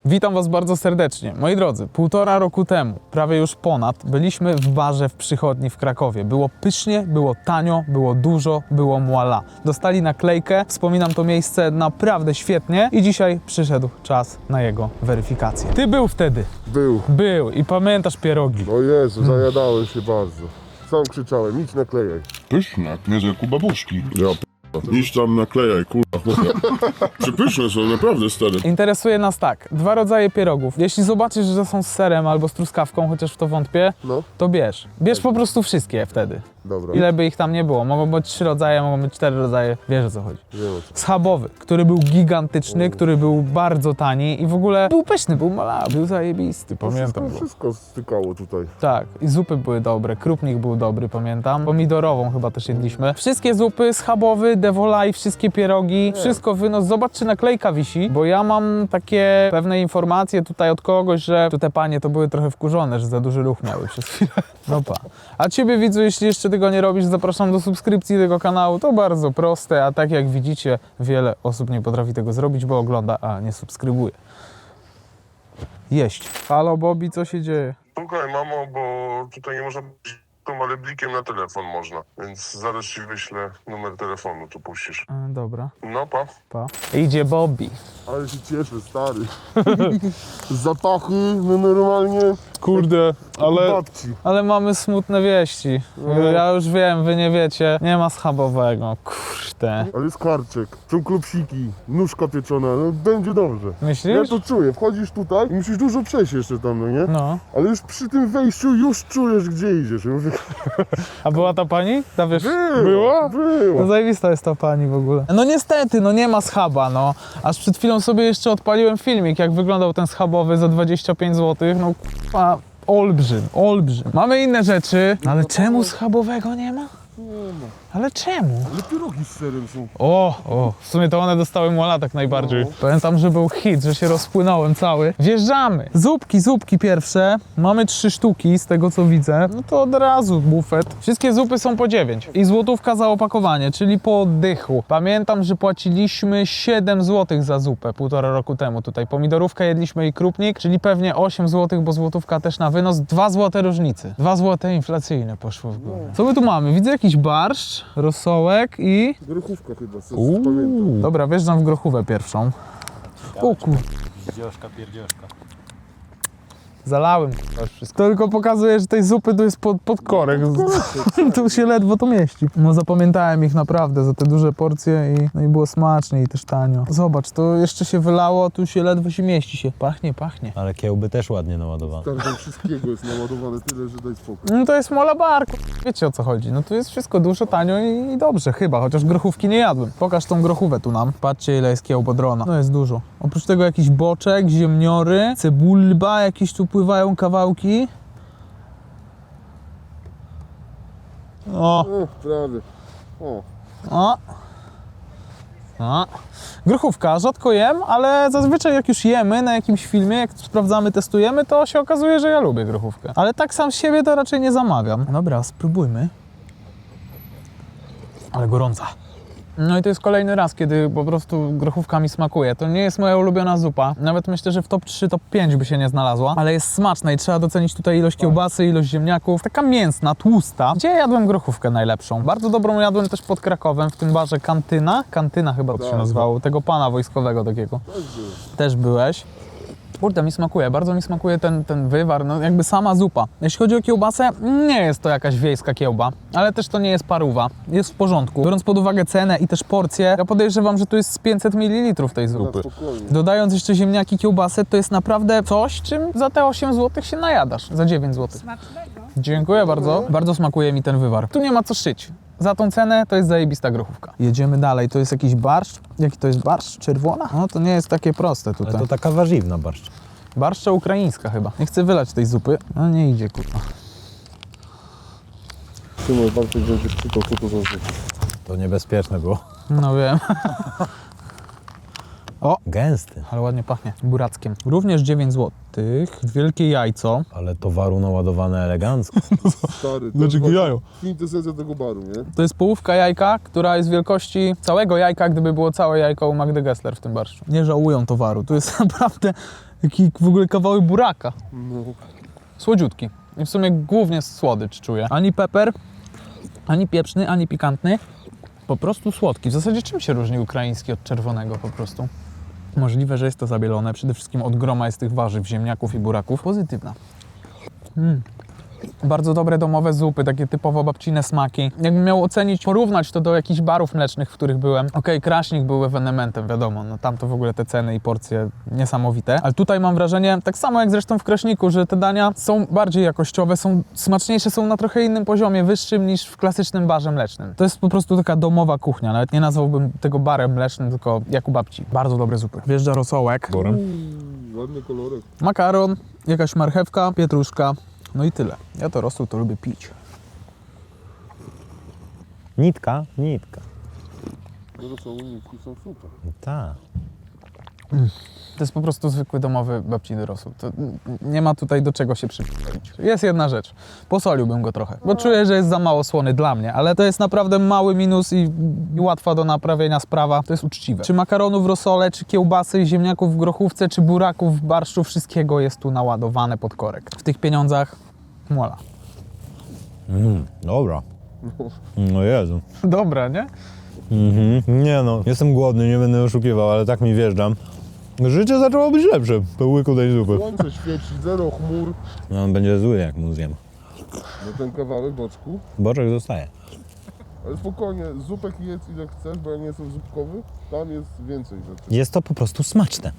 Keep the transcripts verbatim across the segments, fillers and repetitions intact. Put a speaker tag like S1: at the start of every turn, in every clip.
S1: Witam Was bardzo serdecznie. Moi drodzy, półtora roku temu, prawie już ponad, byliśmy w barze w Przychodni w Krakowie. Było pysznie, było tanio, było dużo, było muala. Dostali naklejkę, wspominam to miejsce naprawdę świetnie i dzisiaj przyszedł czas na jego weryfikację. Ty był wtedy?
S2: Był.
S1: Był i pamiętasz pierogi.
S2: O Jezu, zajadałem się bardzo. Sam krzyczałem, idź naklejaj.
S3: Pyszne, nie jak u babuszki.
S2: Ja
S3: Iść tam naklejaj, kurwa, chłopie. Przepyszne są, naprawdę, stary.
S1: Interesuje nas tak, dwa rodzaje pierogów. Jeśli zobaczysz, że są z serem albo z truskawką, chociaż w to wątpię,
S2: No,
S1: to bierz. Bierz po prostu wszystkie wtedy.
S2: dobra.
S1: Ile by ich tam nie było. Mogą być trzy rodzaje, mogą być cztery rodzaje. Wiesz, o co chodzi.
S2: Wiem o co.
S1: Schabowy, który był gigantyczny, który był bardzo tani i w ogóle był pyszny, był malawy, był zajebisty, pamiętam
S2: Wszystko,
S1: go.
S2: wszystko stykało tutaj.
S1: Tak, i zupy były dobre, krupnik był dobry, pamiętam. Pomidorową chyba też jedliśmy. Wszystkie zupy, schabowy, devolaj, wszystkie pierogi, wszystko wynos. Zobacz, czy naklejka wisi, bo ja mam takie pewne informacje tutaj od kogoś, że tu te panie to były trochę wkurzone, że za duży ruch miały przez chwilę. No pa. A ciebie, widzu, jeśli jeszcze tego nie robisz, zapraszam do subskrypcji tego kanału. To bardzo proste, a tak jak widzicie, wiele osób nie potrafi tego zrobić, bo ogląda, a nie subskrybuje. Jeść. Halo, Bobby, co się dzieje?
S2: Słuchaj, mamo, bo tutaj nie można być, ale blikiem na telefon można. Więc zaraz ci wyślę numer telefonu, tu puścisz.
S1: E, dobra,
S2: No, pa.
S1: pa. Idzie Bobby.
S2: Ale się cieszę, stary. Zapachy, no normalnie.
S1: Kurde, ale...
S2: Babci.
S1: Ale mamy smutne wieści. Ja już wiem, wy nie wiecie. Nie ma schabowego. Kurde.
S2: Ale jest karczek, są klopsiki, nóżka pieczona, no będzie dobrze. Ja
S1: Myślisz?
S2: to czuję, wchodzisz tutaj i musisz dużo przejść jeszcze tam, no nie?
S1: No.
S2: Ale już przy tym wejściu już czujesz, gdzie idziesz. Ja mówię,
S1: A była ta pani? Ta wiesz...
S2: Była,
S1: Była?
S2: była.
S1: No zajebista jest ta pani w ogóle. No niestety, no nie ma schaba, no. Aż przed chwilą sobie jeszcze odpaliłem filmik, jak wyglądał ten schabowy za dwadzieścia pięć złotych. No k***a, olbrzym, olbrzym. Mamy inne rzeczy, ale czemu schabowego nie ma? Ale czemu?
S2: Ale pierogi z serem są.
S1: O, o, w sumie to one dostały muala tak najbardziej.
S2: No.
S1: Pamiętam, że był hit, że się rozpłynąłem cały. Wjeżdżamy. Zupki, zupki pierwsze. Mamy trzy sztuki z tego co widzę. No to od razu bufet. Wszystkie zupy są po dziewięć. I złotówka za opakowanie, czyli po oddychu. Pamiętam, że płaciliśmy siedem złotych za zupę półtora roku temu tutaj. Pomidorówkę jedliśmy i krupnik, czyli pewnie osiem złotych, bo złotówka też na wynos. dwa złote różnicy. dwa złote inflacyjne poszło w górę. Co my tu mamy? Widzę jakiś barszcz, rosołek i...
S2: Grochówka chyba, co pamiętam.
S1: Uuu. Dobra, wjeżdżam w grochówę pierwszą. O kur...
S4: Pierdzioszka, pierdzioszka.
S1: Zalałem k***a, wszystko. To tylko pokazuje, że tej zupy tu jest pod, pod korek. Tu się ledwo to mieści. No zapamiętałem ich naprawdę za te duże porcje i, no i było smacznie i też tanio. Zobacz, to jeszcze się wylało, tu się ledwo się mieści się. Pachnie, pachnie.
S4: Ale kiełby też ładnie naładowane.
S2: Tam, tam wszystkiego jest naładowane tyle, że daj spokój.
S1: No to jest mola bar, k***a. Wiecie o co chodzi. No tu jest wszystko dużo, tanio i, i dobrze chyba, chociaż grochówki nie jadłem. Pokaż tą grochówę tu nam. Patrzcie ile jest kiełbodrona. No jest dużo. Oprócz tego jakiś boczek, ziemniory, cebulba, jakieś tu pływają kawałki. O,
S2: O, prawie. O,
S1: o. O. Grochówka, rzadko jem, ale zazwyczaj jak już jemy na jakimś filmie, jak sprawdzamy, testujemy, to się okazuje, że ja lubię grochówkę. Ale tak sam z siebie to raczej nie zamawiam. Dobra, spróbujmy. Ale gorąca. No i to jest kolejny raz, kiedy po prostu grochówka mi smakuje. To nie jest moja ulubiona zupa. Nawet myślę, że w top trzy, top pięć by się nie znalazła. Ale jest smaczna i trzeba docenić tutaj ilość kiełbasy, ilość ziemniaków. Taka mięsna, tłusta. Gdzie jadłem grochówkę najlepszą? Bardzo dobrą jadłem też pod Krakowem, w tym barze Kantyna. Kantyna chyba to się
S2: Tak.
S1: nazywało. Tego pana wojskowego takiego.
S2: też było.
S1: Też byłeś. Kurde, mi smakuje, bardzo mi smakuje ten, ten wywar, no jakby sama zupa. Jeśli chodzi o kiełbasę, nie jest to jakaś wiejska kiełba, ale też to nie jest parówa, jest w porządku. Biorąc pod uwagę cenę i też porcję, ja podejrzewam, że tu jest z pięćset mililitrów tej
S2: Na
S1: zupy.
S2: spokojnie.
S1: Dodając jeszcze ziemniaki, kiełbasę, to jest naprawdę coś, czym za te osiem złotych się najadasz, za dziewięć złotych.
S5: Smacznego.
S1: Dziękuję bardzo, bardzo smakuje mi ten wywar. Tu nie ma co szyć. Za tą cenę to jest zajebista grochówka. Jedziemy dalej, to jest jakiś barszcz. Jaki to jest barszcz? Czerwona? No to nie jest takie proste tutaj.
S4: Ale to taka warzywna barszcz.
S1: Barszcza ukraińska chyba. Nie chcę wylać tej zupy. No nie idzie, kurwa.
S2: Szymon, Bartek będzie czytał, co to za zupa.
S4: To niebezpieczne było.
S1: No wiem. O,
S4: Gęsty.
S1: ale ładnie pachnie. Burackiem. Również dziewięć złotych. Wielkie jajco.
S4: Ale towaru naładowane elegancko.
S2: Stary, to
S1: Dlaczego
S2: jest
S1: jajo?
S2: kwintesencja tego baru, nie?
S1: To jest połówka jajka, która jest wielkości całego jajka, gdyby było całe jajko u Magdy Gessler w tym barszczu. Nie żałują towaru. Tu jest naprawdę Jaki w ogóle kawałek buraka.
S2: No.
S1: Słodziutki. I w sumie głównie słodycz czuję. Ani peper, ani pieprzny, ani pikantny. Po prostu słodki. W zasadzie czym się różni ukraiński od czerwonego po prostu? Możliwe, że jest to zabielone. Przede wszystkim od groma jest tych warzyw, ziemniaków i buraków. Pozytywna. Mm. Bardzo dobre domowe zupy, takie typowo babcine smaki. Jakbym miał ocenić, porównać to do jakichś barów mlecznych, w których byłem. Okej, okay, Kraśnik był ewenementem, wiadomo, no tam to w ogóle te ceny i porcje niesamowite. Ale tutaj mam wrażenie, tak samo jak zresztą w Kraśniku, że te dania są bardziej jakościowe, są smaczniejsze, są na trochę innym poziomie, wyższym niż w klasycznym barze mlecznym. To jest po prostu taka domowa kuchnia, nawet nie nazwałbym tego barem mlecznym, tylko jak u babci. Bardzo dobre zupy. Wjeżdża rosołek,
S2: Ładny kolorek.
S1: makaron, jakaś marchewka, pietruszka. No i tyle. Ja to rosół to lubię pić.
S4: Nitka? Nitka.
S2: Rosołniki są super.
S4: Tak.
S1: To jest po prostu zwykły domowy babciny rosół. To nie ma tutaj do czego się przypomnieć. Jest jedna rzecz. Posoliłbym go trochę, bo czuję, że jest za mało słony dla mnie, ale to jest naprawdę mały minus i, i łatwa do naprawienia sprawa. To jest uczciwe. Czy makaronu w rosole, czy kiełbasy, ziemniaków w grochówce, czy buraków w barszczu, wszystkiego jest tu naładowane pod korek. W tych pieniądzach mola.
S4: Mm, dobra. No Jezu.
S1: Dobra, nie?
S4: Mhm. Nie no, jestem głodny, nie będę oszukiwał, ale tak mi wjeżdżam. Życie zaczęło być lepsze po łyku tej zupy.
S2: Słońce świeci, zero chmur.
S4: No on będzie zły, jak mu zjem.
S2: No ten kawałek boczku.
S4: Boczek zostaje.
S2: Ale spokojnie, zupek jedz ile chcesz, bo ja nie jestem zupkowy. Tam jest więcej rzeczy.
S4: Jest to po prostu smaczne.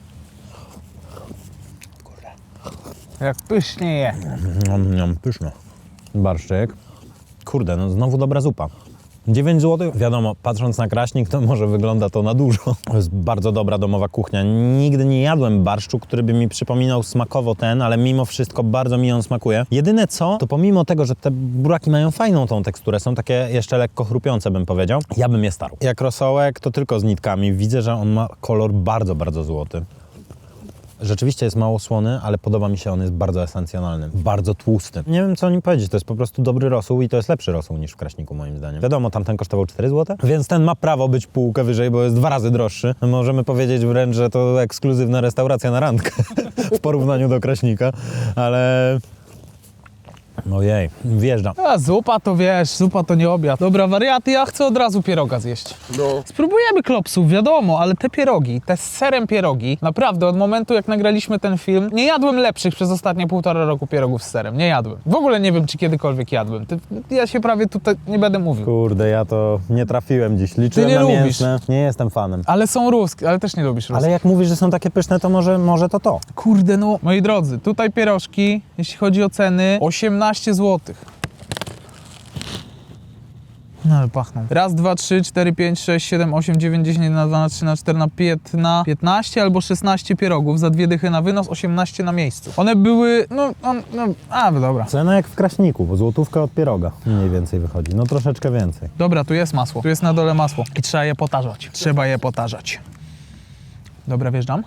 S1: Jak pysznie je.
S4: Niam, niam, pyszno. Barszczyk. Kurde, no znowu dobra zupa. dziewięć złotych. Wiadomo, patrząc na Kraśnik, to może wygląda to na dużo. To jest bardzo dobra domowa kuchnia. Nigdy nie jadłem barszczu, który by mi przypominał smakowo ten, ale mimo wszystko bardzo mi on smakuje. Jedyne co, to pomimo tego, że te buraki mają fajną tą teksturę, są takie jeszcze lekko chrupiące, bym powiedział, ja bym je starł. Jak rosołek, to tylko z nitkami. Widzę, że on ma kolor bardzo, bardzo złoty. Rzeczywiście jest mało słony, ale podoba mi się, on jest bardzo esencjonalny, bardzo tłusty. Nie wiem, co o nim powiedzieć, to jest po prostu dobry rosół i to jest lepszy rosół niż w Kraśniku, moim zdaniem. Wiadomo, tamten kosztował cztery złote, więc ten ma prawo być półkę wyżej, bo jest dwa razy droższy. Możemy powiedzieć wręcz, że to ekskluzywna restauracja na randkę w porównaniu do Kraśnika, ale... Ojej, wjeżdżam.
S1: A zupa to wiesz, zupa to nie obiad. Dobra, wariaty, ja chcę od razu pieroga zjeść.
S2: No.
S1: Spróbujemy klopsów, wiadomo, ale te pierogi, te z serem pierogi, naprawdę od momentu jak nagraliśmy ten film, nie jadłem lepszych przez ostatnie półtora roku pierogów z serem, nie jadłem. W ogóle nie wiem, czy kiedykolwiek jadłem. Ty, ja się prawie tutaj nie będę mówił.
S4: Kurde, ja to nie trafiłem dziś, liczyłem
S1: nie
S4: na
S1: lubisz.
S4: mięsne. Nie jestem fanem.
S1: Ale są ruskie, ale też nie lubisz ruskich.
S4: Ale jak mówisz, że są takie pyszne, to może, może to to.
S1: Kurde, no. Moi drodzy, tutaj pierożki, jeśli chodzi o ceny, osiemnaście złotych. No ale pachną. Raz, dwa, trzy, cztery, pięć, sześć, siedem, osiem, dziewięć, dziesięć, jeden, dwa, trzy, cztery, na piętnaście, piętnaście albo szesnaście pierogów za dwie dychy na wynos, osiemnaście na miejscu. One były, no, on, no, a dobra.
S4: Cena jak w Kraśniku, bo złotówka od pieroga mniej więcej wychodzi. No troszeczkę więcej.
S1: Dobra, tu jest masło, tu jest na dole masło i trzeba je potarzać. Trzeba je potarzać. Dobra, wjeżdżam.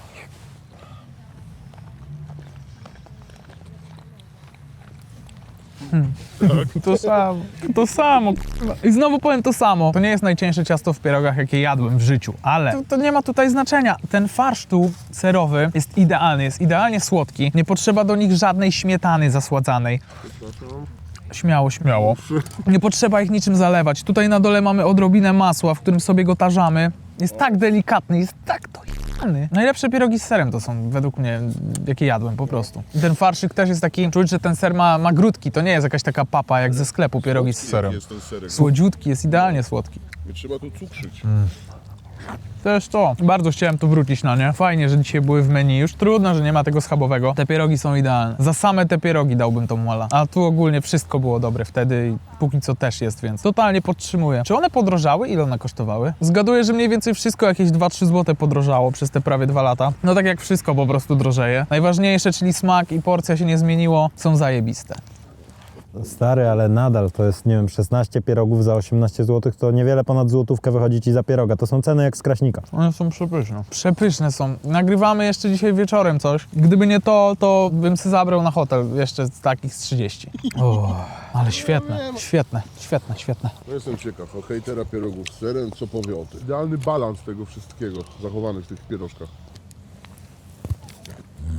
S1: Hmm. To samo, to samo. I znowu powiem to samo. To nie jest najcieńsze ciasto w pierogach, jakie jadłem w życiu, ale to, to nie ma tutaj znaczenia. Ten farsz tu serowy jest idealny, jest idealnie słodki. Nie potrzeba do nich żadnej śmietany zasładzanej. Śmiało, śmiało. Nie potrzeba ich niczym zalewać. Tutaj na dole mamy odrobinę masła, w którym sobie go tarzamy. Jest tak delikatny, jest tak to jany. Najlepsze pierogi z serem to są według mnie, jakie jadłem po prostu. I ten farszyk też jest taki, czuć, że ten ser ma, ma grudki. To nie jest jakaś taka papa jak ze sklepu pierogi z serem.
S2: Jest ten serek.
S1: Słodziutki, jest idealnie słodki.
S2: Nie trzeba tu cukrzyć.
S1: Też to. Bardzo chciałem tu wrócić na nie. Fajnie, że dzisiaj były w menu. Już trudno, że nie ma tego schabowego. Te pierogi są idealne. Za same te pierogi dałbym tą mola. A tu ogólnie wszystko było dobre wtedy i póki co też jest, więc totalnie podtrzymuję. Czy one podrożały? Ile one kosztowały? Zgaduję, że mniej więcej wszystko jakieś dwa trzy złote podrożało przez te prawie dwa lata. No tak jak wszystko po prostu drożeje. Najważniejsze, czyli smak i porcja się nie zmieniło, są zajebiste.
S4: Stary, ale nadal to jest, nie wiem, szesnaście pierogów za osiemnaście złotych, to niewiele ponad złotówkę wychodzi ci za pieroga. To są ceny jak z Kraśnika.
S1: One są przepyszne. Przepyszne są. Nagrywamy jeszcze dzisiaj wieczorem coś. Gdyby nie to, to bym się zabrał na hotel jeszcze z takich z trzydzieści. O, ale świetne, świetne, świetne, świetne.
S2: No jestem ciekaw, o hejtera pierogów z serem, co powie o tym. Idealny balans tego wszystkiego zachowany w tych pierożkach.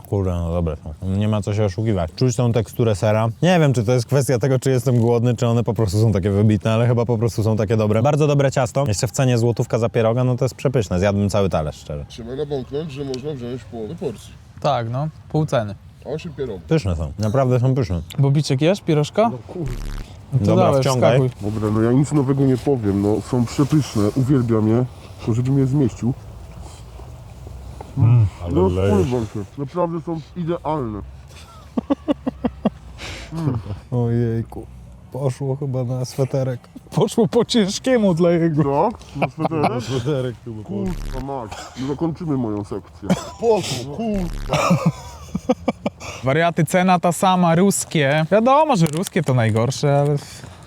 S4: Kurde, no dobre są. Nie ma co się oszukiwać. Czuć tą teksturę sera. Nie wiem, czy to jest kwestia tego, czy jestem głodny, czy one po prostu są takie wybitne, ale chyba po prostu są takie dobre. Bardzo dobre ciasto. Jeszcze w cenie złotówka za pieroga, no to jest przepyszne. Zjadłbym cały talerz, szczerze.
S3: Trzeba nabąknąć, że można wziąć połowę porcji.
S1: Tak, no, pół ceny.
S3: A osiem pierogów.
S4: Pyszne są. Naprawdę są pyszne.
S1: Bobiczek jesz, pierożka? No
S3: kurde.
S1: To
S4: Dobra,
S1: dawaj,
S4: wciągaj.
S1: wskakuj.
S3: Dobra, no ja nic nowego nie powiem, no są przepyszne, uwielbiam je, tylko żebym je zmieścił. Mm. No spróbuj się, naprawdę są idealne.
S4: Ojejku. Poszło chyba na sweterek.
S1: Poszło po ciężkiemu dla jego.
S3: Co? Na sweterek?
S4: Sweterek chyba
S3: Kurwa mać, no zakończymy moją sekcję. Poszło, kurwa.
S1: Wariaty, cena ta sama, ruskie. Wiadomo, że ruskie to najgorsze, ale...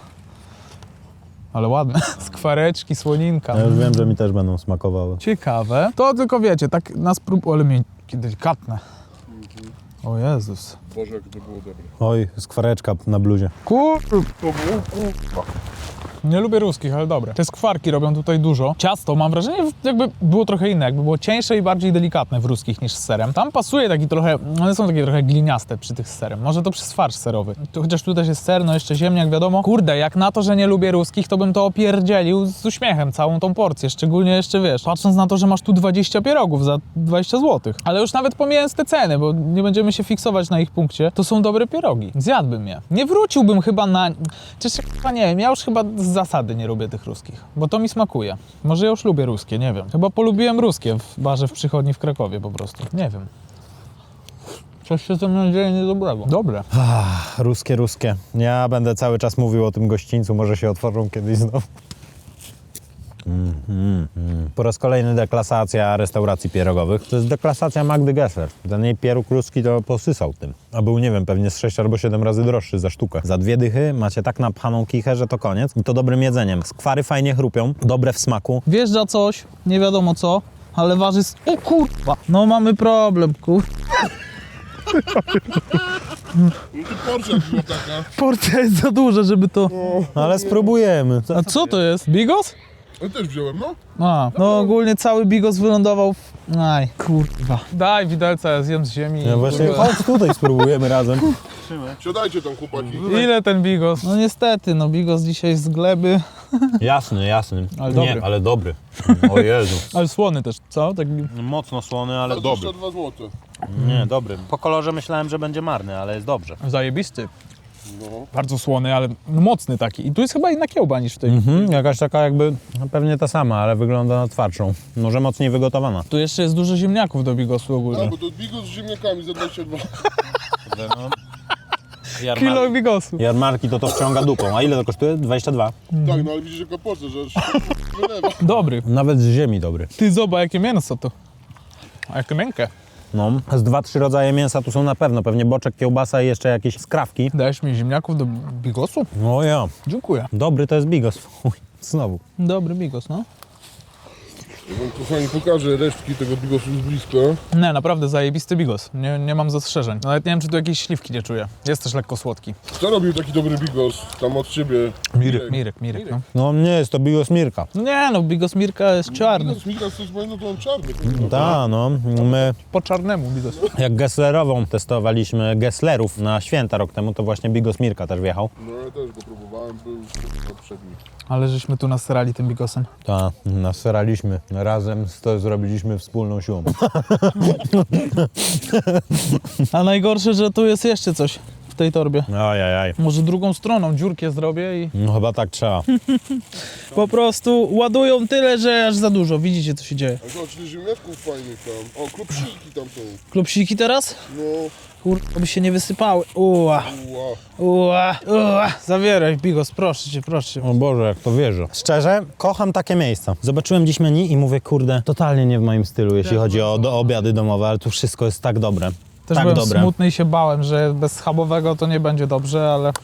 S1: Ale ładne. Skwareczki, słoninka.
S4: Ja już wiem, że mi też będą smakowały.
S1: Ciekawe. To tylko wiecie, tak na sprób... Ale mnie delikatne. O Jezus.
S3: Boże, jak to było dobre.
S4: Oj, skwareczka na bluzie.
S1: Kur...
S3: To było kurwa.
S1: Nie lubię ruskich, ale dobre. Te skwarki robią tutaj dużo. Ciasto, mam wrażenie, jakby było trochę inne, jakby było cieńsze i bardziej delikatne w ruskich niż z serem. Tam pasuje taki trochę, one są takie trochę gliniaste przy tych z serem. Może to przez farsz serowy. Tu, chociaż tu też jest ser, no jeszcze ziemniak, wiadomo. Kurde, jak na to, że nie lubię ruskich, to bym to opierdzielił z uśmiechem, całą tą porcję. Szczególnie jeszcze, wiesz, patrząc na to, że masz tu dwadzieścia pierogów za dwadzieścia złotych. Ale już nawet pomijając te ceny, bo nie będziemy się fiksować na ich punkcie, to są dobre pierogi. Zjadłbym je. Nie wróciłbym chyba na... Czyż, chyba nie wiem, ja już chyba z zasady nie lubię tych ruskich, bo to mi smakuje. Może ja już lubię ruskie, nie wiem. Chyba polubiłem ruskie w barze w przychodni w Krakowie po prostu. Nie wiem. Coś się ze mną dzieje niedobrego. Dobre.
S4: Ach, ruskie, ruskie. Ja będę cały czas mówił o tym gościńcu, może się otworzą kiedyś znowu. Mm, mm, mm. Po raz kolejny deklasacja restauracji pierogowych. To jest deklasacja Magdy Gessler. Ten jej pieróg ruski to posysał tym. A był, nie wiem, pewnie z sześć albo siedem razy droższy za sztukę. Za dwie dychy macie tak napchaną kichę, że to koniec. I to dobrym jedzeniem. Skwary fajnie chrupią, dobre w smaku.
S1: Wjeżdża coś, nie wiadomo co, ale waży... s- O kurwa! No mamy problem, kur...
S3: No to porcja była taka.
S1: Porcja jest za duża, żeby to...
S4: Ale spróbujemy. Co?
S1: A co to jest? Bigos?
S3: Ja też wziąłem, no.
S1: A, no ogólnie cały bigos wylądował w... Aj, kurwa. Daj widelca, ja zjem z ziemi.
S4: Ja
S1: i
S4: właśnie,
S1: kurwa.
S4: chodź tutaj spróbujemy razem.
S3: Siadajcie tam, chłopaki.
S1: Ile ten bigos? No niestety, no bigos dzisiaj z gleby,
S4: Jasny, jasny.
S1: Ale
S4: Nie,
S1: dobry.
S4: ale dobry. O Jezu.
S1: ale słony też, co? Tak...
S4: Mocno słony, ale dobry.
S3: dwadzieścia dwa złote.
S4: Nie, dobry. Po kolorze myślałem, że będzie marny, ale jest dobrze.
S1: Zajebisty.
S3: No.
S1: Bardzo słony, ale mocny taki. I tu jest chyba inna kiełba niż w tej.
S4: Mhm, jakaś taka jakby, no pewnie ta sama, ale wygląda na twardszą. Może mocniej wygotowana.
S1: Tu jeszcze jest dużo ziemniaków do bigosu ogólnie.
S3: A, bo to bigos z ziemniakami za dwadzieścia dwa.
S1: Kilo bigosu.
S4: Jarmarki to to wciąga dupą. A ile to kosztuje? dwadzieścia dwa.
S3: Tak, no ale widzisz jaka porcja, że aż wylewa.
S1: Dobry.
S4: Nawet z ziemi dobry.
S1: Ty zobacz, jakie mięso to. A jakie miękkie.
S4: No, z dwa, trzy rodzaje mięsa tu są na pewno. Pewnie boczek, kiełbasa i jeszcze jakieś skrawki.
S1: Dajesz mi ziemniaków do bigosu?
S4: No ja.
S1: Dziękuję.
S4: Dobry to jest bigos. Uj, znowu.
S1: Dobry bigos, no.
S3: Ja wam kochani pokażę resztki tego bigosu z bliska.
S1: Nie, naprawdę zajebisty bigos. Nie, nie mam zastrzeżeń. Nawet nie wiem, czy tu jakieś śliwki nie czuję. Jest też lekko słodki.
S3: Kto robił taki dobry bigos tam od ciebie?
S1: Mirek, Mirek, Mirek, no.
S4: No nie jest to bigos Mirka.
S1: No nie, no bigos Mirka jest czarny.
S3: Bigos Mika z no to on czarny.
S4: Ta, no. My
S1: Po czarnemu bigos.
S4: jak Gesslerową testowaliśmy Gesslerów na święta rok temu, to właśnie bigos Mirka też wjechał.
S3: No ja też go próbowałem, był poprzedni.
S1: Ale żeśmy tu nasrali tym bigosem.
S4: Ta, naseraliśmy. Razem to zrobiliśmy wspólną siłą.
S1: A najgorsze, że tu jest jeszcze coś w tej torbie.
S4: Ajajaj.
S1: Może drugą stroną dziurkę zrobię i
S4: No chyba tak trzeba.
S1: po prostu ładują tyle, że aż za dużo. Widzicie, co się dzieje.
S3: A zobacz, ile ziemniaczków fajnych tam. O, klopsiki tam są.
S1: Klopsiki teraz?
S3: No,
S1: Kurwa, by się nie wysypały. Uła,
S3: ła.
S1: uła, uła. Zawieraj bigos, proszę cię, proszę cię.
S4: O Boże, jak to wierzę. Szczerze, kocham takie miejsca. Zobaczyłem dziś menu i mówię, kurde, totalnie nie w moim stylu, jeśli chodzi o do, obiady domowe, ale tu wszystko jest tak dobre.
S1: Też
S4: tak
S1: byłem
S4: dobre.
S1: smutny i się bałem, że bez schabowego to nie będzie dobrze, ale...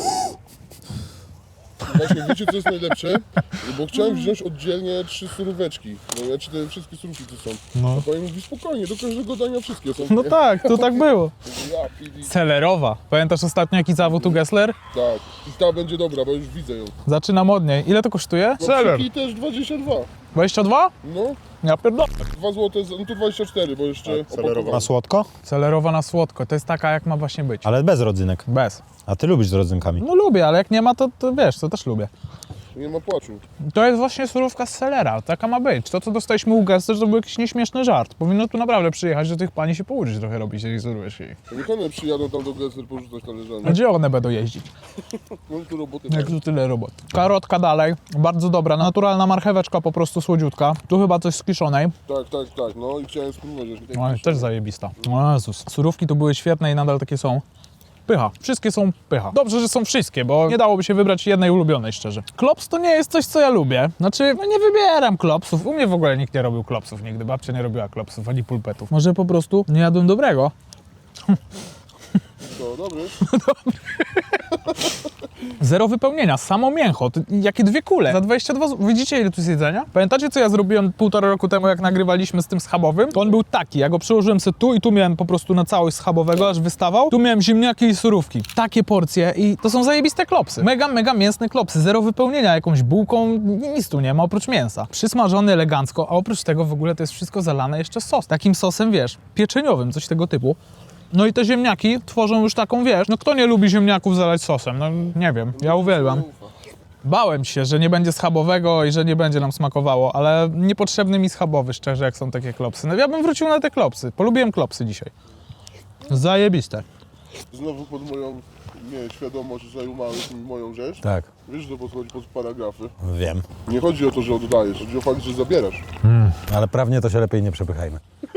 S3: Właśnie, wiecie co jest najlepsze? Bo chciałem wziąć oddzielnie trzy suróweczki. No ja te wszystkie surówki tu są.
S1: No.
S3: A pani mówi spokojnie, do każdego dania wszystkie są.
S1: No
S3: nie?
S1: tak, to tak było.
S3: Ja, pili.
S1: Celerowa. Pamiętasz ostatnio jaki zawód u Gessler?
S3: Tak. I ta będzie dobra, bo już widzę ją.
S1: Zaczynam od niej. Ile to kosztuje?
S3: No, i też dwadzieścia dwa.
S1: dwadzieścia dwa?
S3: No,
S1: Ja pierdolę.
S3: dwa złote, za- no to dwadzieścia cztery, bo jeszcze opakowanie.
S4: Na słodko?
S1: Celerowa na słodko, to jest taka jak ma właśnie być.
S4: Ale bez rodzynek.
S1: Bez.
S4: A ty lubisz z rodzynkami.
S1: No lubię, ale jak nie ma, to, to wiesz, to też lubię.
S3: Nie ma płaczu.
S1: To jest właśnie surówka z selera, taka ma być. To, co dostaliśmy u Gessler, to był jakiś nieśmieszny żart. Powinno tu naprawdę przyjechać do tych pani się pouczyć trochę robić tej surówki.
S3: Niech one przyjadą tam do Gessler porzucać talerzami.
S1: A gdzie one będą jeździć?
S3: No tu roboty
S1: Jak
S3: mają.
S1: tu tyle robot. Karotka dalej, bardzo dobra, naturalna marcheweczka, po prostu słodziutka. Tu chyba coś z kiszonej.
S3: Tak, tak, tak, no i chciałem spróbować. że-
S1: No, też zajebista. O Jezus. Surówki tu były świetne i nadal takie są. Pycha. Wszystkie są pycha. Dobrze, że są wszystkie, bo nie dałoby się wybrać jednej ulubionej, szczerze. Klops to nie jest coś, co ja lubię. Znaczy, no nie wybieram klopsów. U mnie w ogóle nikt nie robił klopsów nigdy. Babcia nie robiła klopsów, ani pulpetów. Może po prostu nie jadłem dobrego.
S3: To dobry.
S1: Zero wypełnienia, samo mięcho, to jakie dwie kule, za dwadzieścia dwa zł. Widzicie, ile tu jest jedzenia? Pamiętacie, co ja zrobiłem półtora roku temu, jak nagrywaliśmy z tym schabowym? To on był taki, ja go przyłożyłem sobie tu i tu miałem po prostu na całość schabowego, aż wystawał. Tu miałem ziemniaki i surówki. Takie porcje i to są zajebiste klopsy. Mega, mega mięsne klopsy, zero wypełnienia, jakąś bułką, nic tu nie ma oprócz mięsa. Przysmażony elegancko, a oprócz tego w ogóle to jest wszystko zalane jeszcze sos. Takim sosem, wiesz, pieczeniowym, coś tego typu. No i te ziemniaki tworzą już taką, wiesz, no kto nie lubi ziemniaków zalać sosem? No nie wiem, ja uwielbiam. Bałem się, że nie będzie schabowego i że nie będzie nam smakowało, ale niepotrzebny mi schabowy, szczerze, jak są takie klopsy. No ja bym wrócił na te klopsy, polubiłem klopsy dzisiaj. Zajebiste.
S3: Znowu pod moją nie, świadomość zajumałeś mi moją rzecz.
S4: Tak.
S3: Wiesz, że podchodzi pod paragrafy.
S4: Wiem.
S3: Nie chodzi o to, że oddajesz, chodzi o fakt, że zabierasz.
S4: Ale prawnie to się lepiej nie przepychajmy.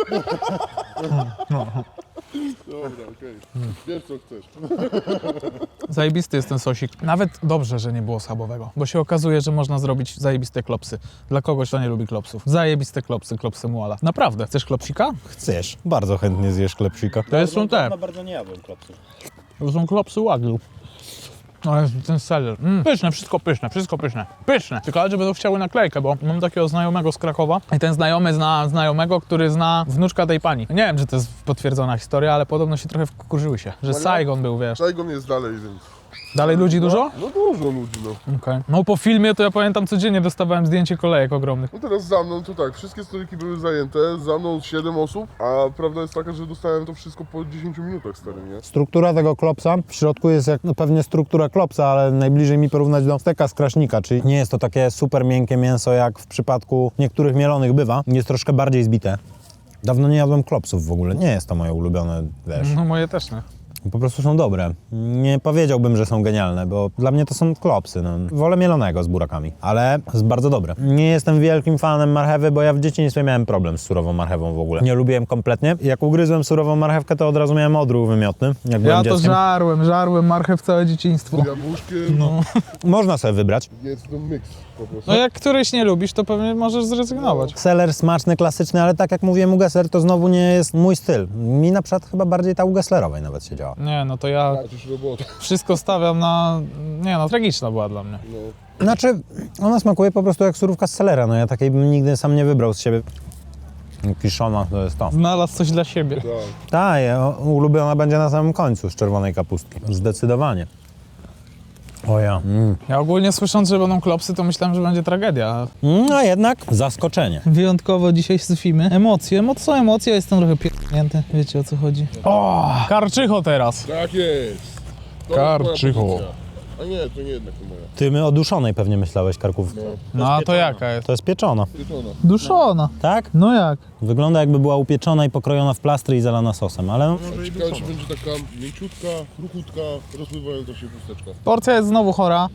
S3: Dobra, okej. Wiesz, co chcesz.
S1: Zajebisty jest ten sosik. Nawet dobrze, że nie było schabowego, bo się okazuje, że można zrobić zajebiste klopsy. Dla kogoś, kto nie lubi klopsów. Zajebiste klopsy, klopsy muala. Naprawdę. Chcesz klopsika?
S4: Chcesz. Bardzo chętnie zjesz klepsika.
S1: To są te.
S5: Bardzo nie jadłem klopsów.
S1: To są klopsy Wagyu. No jest ten seller. Mm. Pyszne, wszystko pyszne, wszystko pyszne. Pyszne. Tylko, że będą chciały naklejkę, bo mam takiego znajomego z Krakowa i ten znajomy zna znajomego, który zna wnuczka tej pani. Nie wiem, czy to jest potwierdzona historia, ale podobno się trochę wkurzyły się, że Saigon był, wiesz.
S3: Saigon jest dalej, więc...
S1: Dalej ludzi dużo?
S3: No dużo ludzi, no.
S1: Okej. No po filmie to ja pamiętam codziennie dostawałem zdjęcie kolejek ogromnych.
S3: No teraz za mną to tak, wszystkie stoliki były zajęte, za mną siedem osób, a prawda jest taka, że dostałem to wszystko po dziesięciu minutach, stary, nie?
S4: Struktura tego klopsa w środku jest jak no pewnie struktura klopsa, ale najbliżej mi porównać do steka z kraśnika, czyli nie jest to takie super miękkie mięso, jak w przypadku niektórych mielonych bywa. Jest troszkę bardziej zbite. Dawno nie jadłem klopsów w ogóle, nie jest to moje ulubione, wiesz.
S1: No moje też nie.
S4: Po prostu są dobre. Nie powiedziałbym, że są genialne, bo dla mnie to są klopsy. No. Wolę mielonego z burakami, ale jest bardzo dobre. Nie jestem wielkim fanem marchewy, bo ja w dzieciństwie miałem problem z surową marchewą w ogóle. Nie lubiłem kompletnie. Jak ugryzłem surową marchewkę, to od razu miałem odruch wymiotny, jak
S1: Ja
S4: byłem
S1: to
S4: dzieckiem.
S1: żarłem, żarłem marchew całe dzieciństwo.
S3: Jabłuszkiem,
S1: No.
S4: Można sobie wybrać.
S3: jest to miks po prostu.
S1: No jak któryś nie lubisz, to pewnie możesz zrezygnować.
S4: Seler smaczny, klasyczny, ale tak jak mówiłem u Gessler, to znowu nie jest mój styl. Mi na przykład chyba bardziej ta u Gesslerowej nawet się działa.
S1: Nie, no to ja
S3: Tracisz robotę.
S1: wszystko stawiam na... Nie no, tragiczna była dla mnie.
S3: No.
S4: Znaczy, ona smakuje po prostu jak surówka z selera. No ja takiej bym nigdy sam nie wybrał z siebie. Kiszona to jest to.
S1: Znalazł coś dla siebie.
S3: Tak.
S4: Ta, ja- ulubiona będzie na samym końcu z czerwonej kapustki. Zdecydowanie. O ja. Mm.
S1: Ja ogólnie słysząc, że będą klopsy, to myślałem, że będzie tragedia.
S4: Mm, a jednak zaskoczenie.
S1: Wyjątkowo dzisiaj syfimy. Emocje, emo- są emocje, jestem trochę pierdnięty. Wiecie, o co chodzi. O, karczycho teraz.
S3: Tak jest. To
S1: Karczycho.
S3: jest moja pozycja. A nie, to nie jednak to moja.
S4: Ty my o duszonej pewnie myślałeś, karkówce.
S1: No a to jaka jest?
S4: To jest pieczona,
S3: Pieczona.
S1: Duszona.
S4: tak?
S1: No jak?
S4: Wygląda jakby była upieczona i pokrojona w plastry i zalana sosem, ale no,
S3: Ciekawe, czy będzie taka mięciutka, kruchutka, rozpływająca się chusteczka.
S1: Porcja jest znowu chora.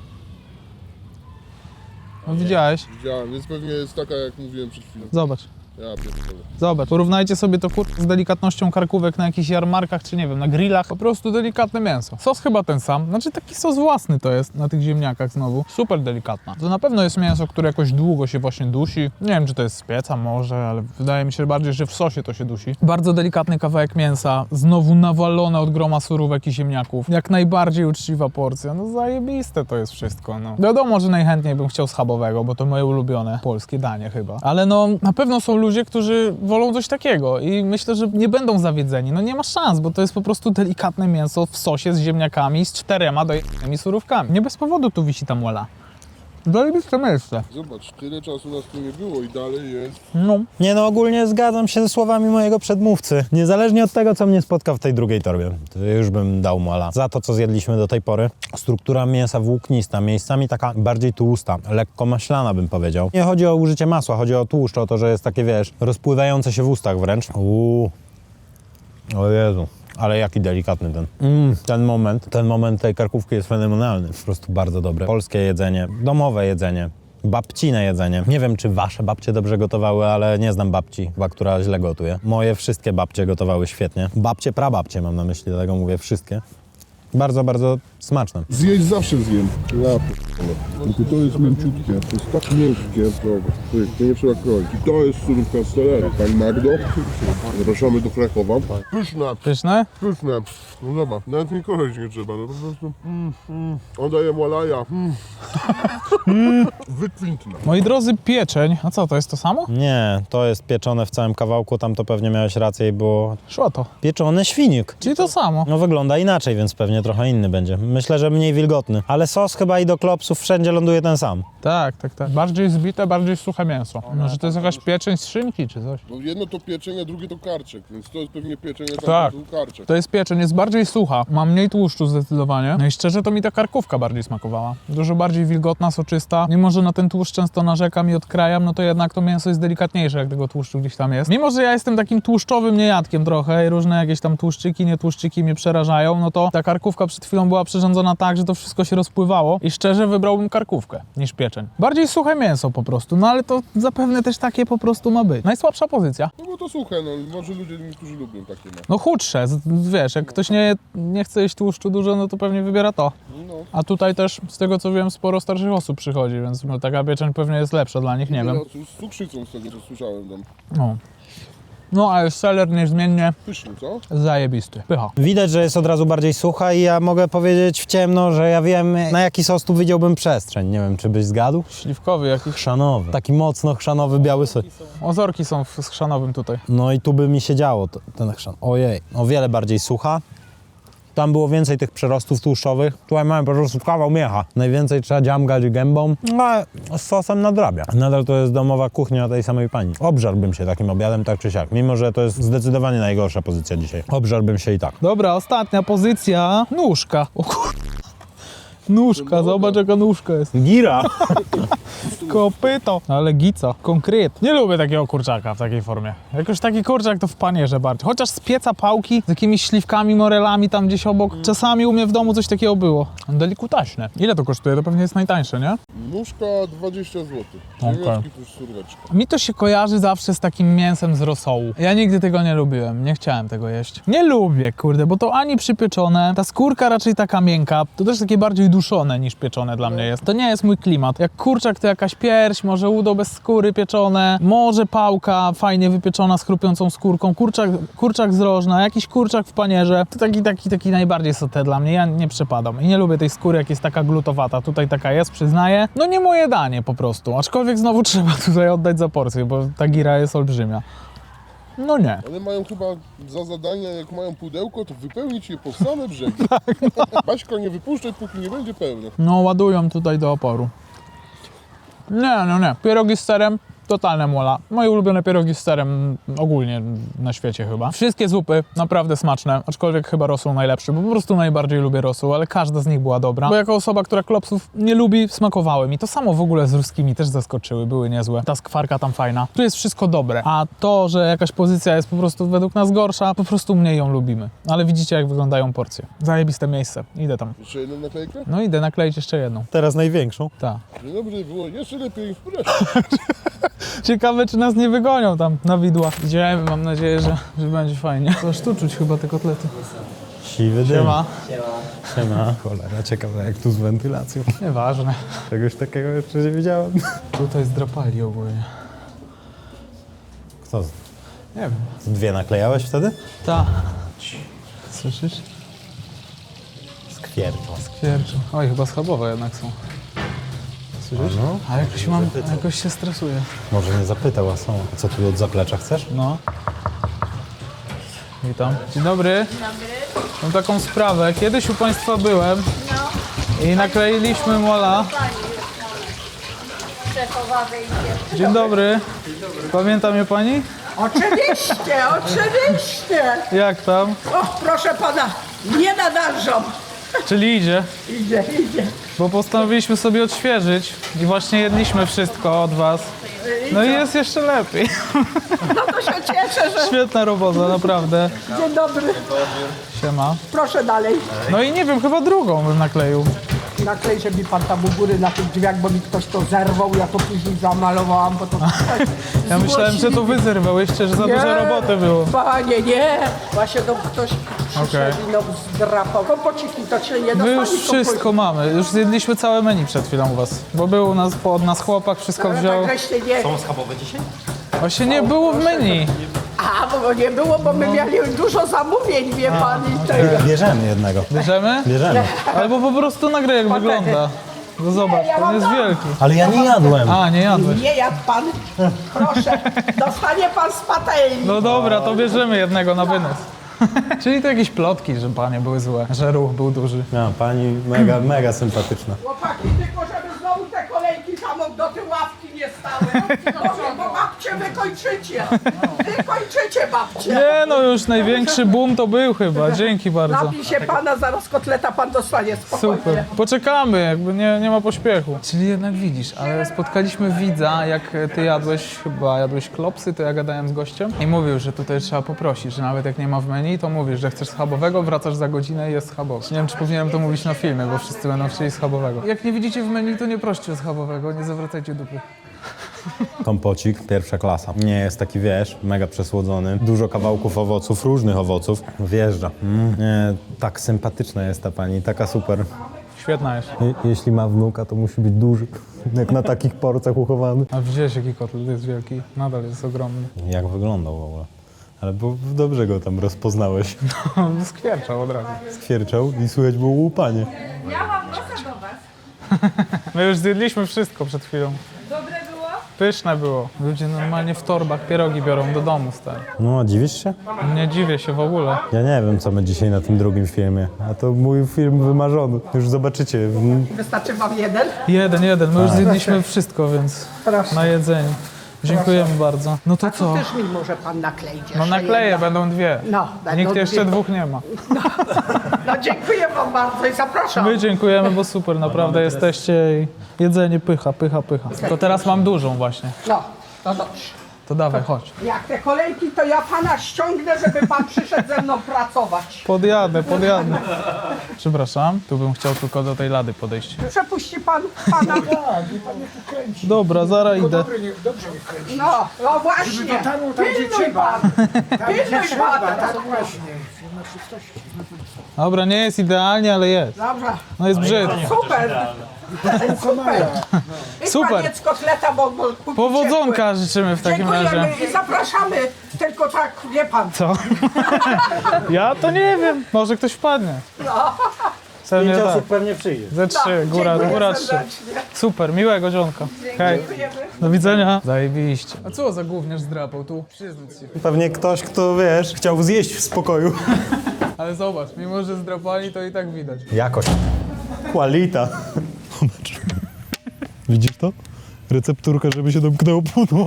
S1: No, widziałeś?
S3: Widziałem, więc pewnie jest taka, jak mówiłem przed chwilą.
S1: Zobacz.
S3: Ja pierdolę.
S1: Zobacz, porównajcie sobie to kur... z delikatnością karkówek na jakichś jarmarkach, czy nie wiem, na grillach. Po prostu delikatne mięso. Sos chyba ten sam. Znaczy taki sos własny to jest na tych ziemniakach znowu. Super delikatna. To na pewno jest mięso, które jakoś długo się właśnie dusi. Nie wiem, czy to jest z pieca może, ale wydaje mi się bardziej, że w sosie to się dusi. Bardzo delikatny kawałek mięsa. Znowu nawalone od groma surówek i ziemniaków. Jak najbardziej uczciwa porcja. No zajebiste to jest wszystko, no. Wiadomo, że najchętniej bym chciał schabowego, bo to moje ulubione polskie danie chyba. Ale no, na pewno są ludzie, którzy wolą coś takiego i myślę, że nie będą zawiedzeni. No nie ma szans, bo to jest po prostu delikatne mięso w sosie z ziemniakami z czterema dojanymi surówkami. Nie bez powodu tu wisi ta muela. Zajebiste miejsce.
S3: Zobacz, tyle czasu nas tu nie było i dalej jest.
S1: No.
S4: Nie no, ogólnie zgadzam się ze słowami mojego przedmówcy. Niezależnie od tego, co mnie spotka w tej drugiej torbie, to już bym dał mola. Za to, co zjedliśmy do tej pory, struktura mięsa włóknista, miejscami taka bardziej tłusta, lekko maślana bym powiedział. Nie chodzi o użycie masła, chodzi o tłuszcz, o to, że jest takie, wiesz, rozpływające się w ustach wręcz. Uuu. O Jezu. Ale jaki delikatny ten. Mm, ten moment, ten moment tej karkówki jest fenomenalny. Po prostu bardzo dobre. Polskie jedzenie, domowe jedzenie, babcine jedzenie. Nie wiem, czy wasze babcie dobrze gotowały, ale nie znam babci, chyba, która źle gotuje. Moje wszystkie babcie gotowały świetnie. Babcie, prababcie mam na myśli, dlatego mówię wszystkie. Bardzo, bardzo smaczne.
S3: Zjeść zawsze zjem. Ja p***le. Tylko to jest mięciutkie, to jest tak miękkie. Dobra, to nie trzeba kroić. I to jest surówka z celery. Pani Magdo, zapraszamy do Krakowa. Pyszne,
S1: Pyszne?
S3: pyszne. No zobacz, nawet mi kroić nie trzeba, no po prostu. Mm, mm. On daje malaja. Mm. Wykwintne.
S1: Moi drodzy, pieczeń. A co, to jest to samo?
S4: Nie, to jest pieczone w całym kawałku, tam to pewnie miałeś rację i było
S1: Szło to.
S4: pieczony świnik.
S1: Czyli to samo.
S4: No wygląda inaczej, więc pewnie trochę inny będzie. Myślę, że mniej wilgotny. Ale sos chyba i do klopsów wszędzie ląduje ten sam.
S1: Tak, tak, tak. Bardziej zbite, bardziej suche mięso. Może to jest jakaś pieczeń z szynki czy coś?
S3: Bo jedno to pieczenie, drugie to karczek, więc to jest pewnie pieczenie,
S1: Tak.
S3: tak. To karczek.
S1: To jest pieczeń, jest bardziej sucha, ma mniej tłuszczu zdecydowanie. No i szczerze to mi ta karkówka bardziej smakowała. Dużo bardziej wilgotna, soczysta. Mimo, że na ten tłuszcz często narzekam i odkrajam, no to jednak to mięso jest delikatniejsze, jak tego tłuszczu gdzieś tam jest. Mimo, że ja jestem takim tłuszczowym niejadkiem trochę i różne jakieś tam tłuszczyki, nietłuszczyki mnie przerażają, no to ta karkówka przed chwilą była przyrządzona tak, że to wszystko się rozpływało i szczerze wybrałbym karkówkę niż pieczeń. Bardziej suche mięso po prostu, no ale to zapewne też takie po prostu ma być. Najsłabsza pozycja.
S3: No bo to suche, no może ludzie, niektórzy lubią takie, no.
S1: No chudsze, z- wiesz, jak ktoś nie, nie chce jeść tłuszczu dużo, no to pewnie wybiera to.
S3: No.
S1: A tutaj też, z tego co wiem, sporo starszych osób przychodzi, więc no, taka pieczeń pewnie jest lepsza dla nich, nie wiem.
S3: Z cukrzycą z tego, co słyszałem tam.
S1: No, no ale seler niezmiennie
S3: Pyszny, co?
S1: zajebisty. Pycha.
S4: Widać, że jest od razu bardziej sucha i ja mogę powiedzieć w ciemno, że ja wiem, na jaki sos tu widziałbym przestrzeń. Nie wiem, czy byś zgadł?
S1: Śliwkowy jakiś.
S4: Chrzanowy. Taki mocno chrzanowy biały sos.
S1: Ozorki są w schrzanowym tutaj.
S4: No i tu by mi się działo to, ten chrzan. Ojej, o wiele bardziej sucha. Tam było więcej tych przerostów tłuszczowych. Tutaj mamy po prostu kawał miecha. Najwięcej trzeba dziamgać gębą, no ale z sosem nadrabia. Nadal to jest domowa kuchnia tej samej pani. Obżarłbym się takim obiadem tak czy siak, mimo że to jest zdecydowanie najgorsza pozycja dzisiaj. Obżarłbym się i tak.
S1: Dobra, ostatnia pozycja. Nóżka. O kur... Nóżka, zobacz jaka nóżka jest.
S4: Gira!
S1: Kopyto. Ale gica, konkret. Nie lubię takiego kurczaka w takiej formie. Jakoś taki kurczak to w panierze bardziej. Chociaż z pieca pałki z jakimiś śliwkami, morelami tam gdzieś obok. Czasami u mnie w domu coś takiego było. Delikutaśne. Ile to kosztuje? To pewnie jest najtańsze, nie?
S3: Nóżka dwadzieścia złotych.
S1: Okej.
S3: Ziemniaczki plus surweczka.
S1: Mi to się kojarzy zawsze z takim mięsem z rosołu. Ja nigdy tego nie lubiłem, nie chciałem tego jeść. Nie lubię, kurde, bo to ani przypieczone, ta skórka raczej taka miękka, to też takie bardziej duszone niż pieczone dla mnie jest. To nie jest mój klimat. Jak kurczak to jakaś pierś, może udo bez skóry pieczone, może pałka fajnie wypieczona z chrupiącą skórką, kurczak, kurczak z rożna, jakiś kurczak w panierze. To taki, taki, taki najbardziej sote dla mnie, ja nie przepadam. I nie lubię tej skóry, jak jest taka glutowata. Tutaj taka jest, przyznaję. No nie moje danie po prostu, aczkolwiek znowu trzeba tutaj oddać za porcję, bo ta gira jest olbrzymia. No nie.
S3: One mają chyba za zadanie, jak mają pudełko, to wypełnić je po same brzegi. Baśka, nie wypuszczaj, póki nie będzie pełne.
S1: No ładują tutaj do oporu. Nie, no nie. Pierogi z serem, totalne mola. Moje ulubione pierogi z serem ogólnie na świecie chyba. Wszystkie zupy naprawdę smaczne, aczkolwiek chyba rosół najlepszy, bo po prostu najbardziej lubię rosół, ale każda z nich była dobra. Bo jako osoba, która klopsów nie lubi, smakowały mi. To samo w ogóle z ruskimi też zaskoczyły, były niezłe. Ta skwarka tam fajna. Tu jest wszystko dobre, a to, że jakaś pozycja jest po prostu według nas gorsza, po prostu mniej ją lubimy. Ale widzicie, jak wyglądają porcje. Zajebiste miejsce. Idę tam.
S3: Jeszcze jedną naklejkę?
S1: No idę nakleić jeszcze jedną.
S4: Teraz największą.
S1: Tak.
S3: Dzień dobry, było jeszcze lepiej.
S1: Ciekawe, czy nas nie wygonią tam na widła. Idziemy, mam nadzieję, że, że będzie fajnie. Aż tu czuć chyba te kotlety.
S4: Siwy dym.
S1: Siema.
S4: Siema. Cholera, ciekawe jak tu z wentylacją.
S1: Nieważne.
S4: Czegoś takiego jeszcze nie widziałem.
S1: Tutaj zdrapali ogólnie.
S4: Kto? z-
S1: Nie wiem.
S4: Dwie naklejałeś wtedy?
S1: Ta. Słyszysz?
S4: Skwierczą.
S1: Kwierczą. Oj, chyba schabowe jednak są. Słyszysz?
S4: No.
S1: A jakoś mam, jakoś się stresuję.
S4: Może nie zapytał, a są. A co tu od zaplecza chcesz?
S1: No. Witam. Dzień dobry. Dzień dobry. Mam taką sprawę. Kiedyś u Państwa byłem i nakleiliśmy mola.
S5: szefowa wyjdzie.
S1: Dzień dobry. Pamięta mnie pani?
S6: Oczywiście, oczywiście.
S1: Jak tam?
S6: O, proszę pana, nie nadążą.
S1: Czyli idzie?
S6: Idzie, idzie.
S1: Bo postanowiliśmy sobie odświeżyć i właśnie jedliśmy wszystko od was. No i jest jeszcze lepiej.
S6: No to się cieszę, że...
S1: Świetna robota, naprawdę.
S6: Dzień dobry.
S1: Siema.
S6: Proszę dalej.
S1: No i nie wiem, chyba drugą bym nakleił.
S6: Naklejże mi pan tam u góry na tych drzwiach, bo mi ktoś to zerwał. Ja to później zamalowałam, bo to...
S1: Ja myślałem, że to wy zerwałyście, że za dużo roboty było.
S6: Panie, nie. Właśnie to ktoś przyszedł i no zdrapał. Kompociki to się nie
S1: My
S6: dostali.
S1: już wszystko mamy. Już zjedliśmy całe menu przed chwilą u was. Bo był u nas, od nas chłopak, wszystko wziął.
S6: Tak żeście nie...
S1: Właśnie nie było w menu.
S6: A, bo nie było, bo my mieli dużo zamówień, wie pan, i tego.
S4: Bierzemy jednego.
S1: Bierzemy?
S4: Bierzemy.
S1: Albo po prostu nagraj jak wygląda. No zobacz,
S6: ja
S1: on
S6: mam
S1: jest
S6: dam.
S1: wielki.
S4: Ale ja nie jadłem.
S1: A, nie jadłeś.
S6: Nie jadł pan. Proszę, dostanie pan z patelni.
S1: No dobra, to bierzemy jednego na wynos. Czyli to jakieś plotki, że panie były złe, że ruch był duży.
S4: No, pani mega, mega sympatyczna.
S6: Chłopaki, tylko żeby znowu te kolejki tam do tej ławki nie stały. Boże, bo babcie wykończycie. Wykończycie babcie.
S1: Nie no, już największy boom to był chyba. Dzięki bardzo.
S6: Napij się pana, zaraz kotleta pan dostanie, spokojnie.
S1: Super. Poczekamy, jakby nie, nie ma pośpiechu. Czyli jednak widzisz, ale spotkaliśmy widza, jak ty jadłeś, chyba jadłeś klopsy, to ja gadałem z gościem i mówił, że tutaj trzeba poprosić, że nawet jak nie ma w menu, to mówisz, że chcesz schabowego, wracasz za godzinę i jest schabowy. Nie wiem, czy powinienem to mówić na filmie, bo wszyscy będą chcieli schabowego. Jak nie widzicie w menu, to nie proście o schabowego, nie zawracajcie dupy.
S4: Kompocik, pierwsza klasa. Nie jest taki, wiesz, mega przesłodzony. Dużo kawałków owoców, różnych owoców. Wjeżdża. Mm, nie, tak sympatyczna jest ta pani, taka super.
S1: Świetna jest.
S4: Je, jeśli ma wnuka, to musi być duży. Jak na takich porcach uchowany.
S1: A widziałeś, jaki kotlet jest wielki? Nadal jest ogromny.
S4: Jak wyglądał w ogóle. Ale bo dobrze go tam rozpoznałeś.
S1: On skwierczał od razu.
S4: Skwierczał i słychać było łupanie.
S5: Ja mam nosa do was.
S1: My już zjedliśmy wszystko przed chwilą.
S5: Dobre było?
S1: Pyszne było. Ludzie normalnie w torbach pierogi biorą do domu, stary.
S4: No, dziwisz się?
S1: Nie dziwię się w ogóle.
S4: Ja nie wiem, co my dzisiaj na tym drugim filmie. A to mój film wymarzony. Już zobaczycie. Mm,
S6: Wystarczy wam jeden?
S1: Jeden, jeden. My już zjedliśmy wszystko, więc
S6: Proszę.
S1: na jedzeniu. Dziękujemy bardzo. No to co?
S6: Też mi może pan nakleić.
S1: No
S6: jeszcze
S1: nakleję,
S6: jedno.
S1: będą dwie.
S6: No, będą
S1: Nikt jeszcze
S6: dwie.
S1: dwóch nie ma.
S6: No dziękuję wam bardzo i zapraszam.
S1: My dziękujemy, bo super, naprawdę jesteście i jedzenie pycha, pycha, pycha. To teraz mam dużą właśnie.
S6: No, to dobrze.
S1: To dawaj, chodź.
S6: Jak te kolejki, to ja pana ściągnę, żeby pan przyszedł ze mną pracować.
S1: Podjadę, podjadę. Przepraszam, tu bym chciał tylko do tej lady podejść.
S6: Przepuści pan pana.
S1: Dobra, zaraz idę.
S6: No, no właśnie. Pilnuj pan. Pilnuj pan.
S1: Dobra, nie jest idealnie, ale jest.
S6: Dobrze.
S1: No jest brzydko.
S6: Super. Super. I
S1: Super.
S6: paniec kotleta, bo, bo kupicie.
S1: Powodzonka życzymy w takim razie.
S6: Dziękujemy i zapraszamy. Tylko tak, wie pan.
S1: Co? Ja to nie wiem. Może ktoś wpadnie. Pewnie tak.
S7: Pewnie przyjdzie.
S1: Ze trzy, góra,
S6: Dziękuję
S1: góra trzy.
S6: serdecznie.
S1: Super, miłego dzionka. Hej.
S6: Dziękujemy.
S1: Do widzenia. Zajebiście. A co za gówniarz zdrapał tu? Przyznać się.
S4: Pewnie ktoś, kto, wiesz, chciał zjeść w spokoju.
S1: Ale zobacz, mimo że zdrapali, to i tak widać.
S4: Jakość. Qualita. Zobacz. Widzisz to? Recepturka, żeby się domknęło pudło.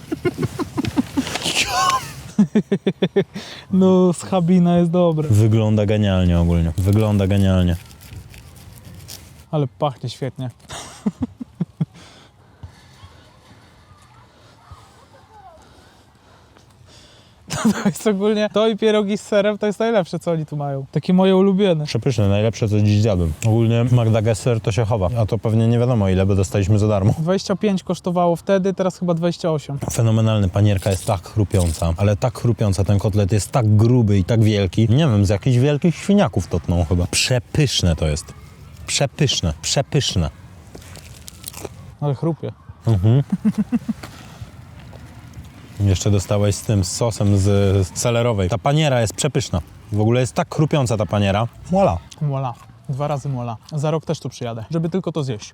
S1: No, schabina jest dobra.
S4: Wygląda genialnie ogólnie. Wygląda genialnie.
S1: Ale pachnie świetnie. To jest ogólnie, to i pierogi z serem to jest najlepsze, co oni tu mają. Takie moje ulubione.
S4: Przepyszne, najlepsze co dziś zjadłem. Ogólnie Magda Gesser to się chowa, a to pewnie nie wiadomo ile, bo dostaliśmy za darmo.
S1: dwadzieścia pięć kosztowało wtedy, teraz chyba dwadzieścia osiem.
S4: Fenomenalny, panierka jest tak chrupiąca, ale tak chrupiąca, ten kotlet jest tak gruby i tak wielki. Nie wiem, z jakichś wielkich świniaków to tną chyba. Przepyszne to jest. Przepyszne, przepyszne.
S1: Ale chrupie.
S4: Jeszcze dostałeś z tym, z sosem z, z celerowej. Ta paniera jest przepyszna. W ogóle jest tak chrupiąca ta paniera. Voila.
S1: Mola. Dwa razy mola. Za rok też tu przyjadę, żeby tylko to zjeść.